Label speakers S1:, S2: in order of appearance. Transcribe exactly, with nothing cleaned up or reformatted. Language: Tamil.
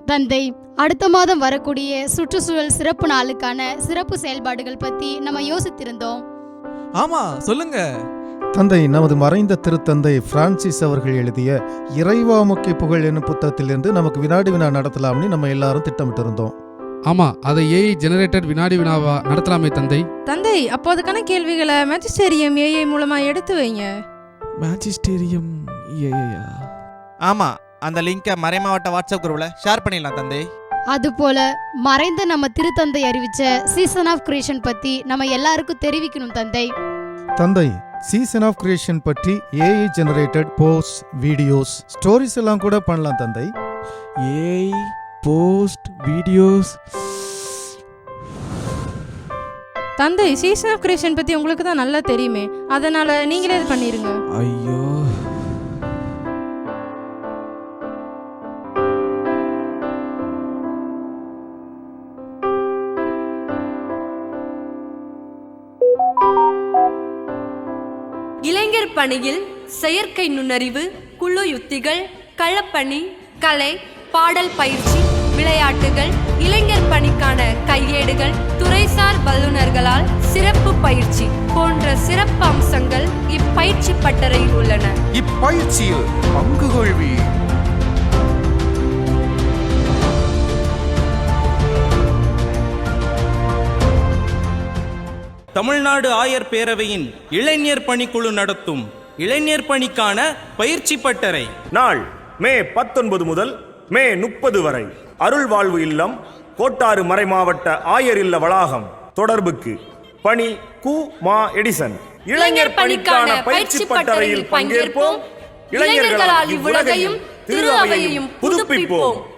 S1: தந்தை, அடுத்த மாதம் வரக்கூடிய சுற்றுச்சூழல் சிறப்பு நாளுக்கான சிறப்பு செயல்பாடுகள் பத்தி நம்ம யோசித்திருந்தோம்.
S2: ஆமா, சொல்லுங்க
S3: தந்தை. நமது மறைந்த திருத்தந்தை பிரான்சிஸ் அவர்கள் எழுதிய இறைவாமுக்கி புகழ் என்னும் புத்தகத்திலிருந்து நமக்கு வினாடி வினா நடத்தலாம்னு நம்ம எல்லாரும் திட்டமிட்டு இருந்தோம்.
S4: ஆமா, அதை ஏஐ ஜெனரேட்டட் வினாடி வினாவா நடத்தலாமே தந்தை.
S5: தந்தை, அப்போ அதுக்கான கேள்விகளை மேஜிஸ்டேரியம் ஏஐ மூலமா எடுத்து வைங்க.
S2: மேஜிஸ்டேரியம் ஏஐயா?
S6: ஆமா, அந்த லிங்கை மறைமாவட்ட வாட்ஸ்அப் குரூப்ல ஷேர் பண்ணிடலாம் தந்தை.
S1: அதுபோல மறைந்த நம்ம திருத்தந்தை அறிவிச்ச சீசன் ஆஃப் கிரியேஷன் பத்தி நம்ம எல்லாருக்கும் தெரிவிக்கணும் தந்தை.
S3: தந்தை, சீசன் ஆஃப் கிரியேஷன் பற்றி AI generated post, videos, stories எல்லாம் கூட பண்ணலாம் தந்தை.
S2: AI post, videos.
S5: தந்தை, சீசன் ஆஃப் கிரியேஷன் பத்தி உங்களுக்கு தான் நல்லா தெரியுமே, அதனால நீங்களே இது பண்ணிருங்க.
S2: ஐயோ,
S7: இளைஞர் பணியில் செயற்கை நுண்ணறிவு, குழு யுத்திகள், களப்பணி, கலை, பாடல் பயிற்சி, விளையாட்டுகள், இளைஞர் பணிக்கான கையேடுகள், துறைசார் வல்லுநர்களால் சிறப்பு பயிற்சி போன்ற சிறப்பு அம்சங்கள் இப்பயிற்சி பட்டறையில் உள்ளன.
S8: இப்பயிற்சியில் பங்கு கொள்வீர்.
S9: தமிழ்நாடு ஆயர் பேரவையின் இளைஞர் பணிக்குழு நடத்தும் இளைஞர் பணிக்கான பயிற்சி பட்டறை
S8: நாள் மே பத்தொன்பது முதல் மே முப்பது வரை. அருள் வாழ்வு இல்லம், கோட்டாறு மறைமாவட்ட ஆயர் இல்ல வளாகம். தொடர்புக்கு பணி கு மா எடிசன்.
S7: இளைஞர் பணிக்கான பயிற்சி பட்டறையில் பங்கேற்போம். இளைஞர்களால் இவ்வுலகையும் திரு அவையையும் புதுப்பிப்போம்.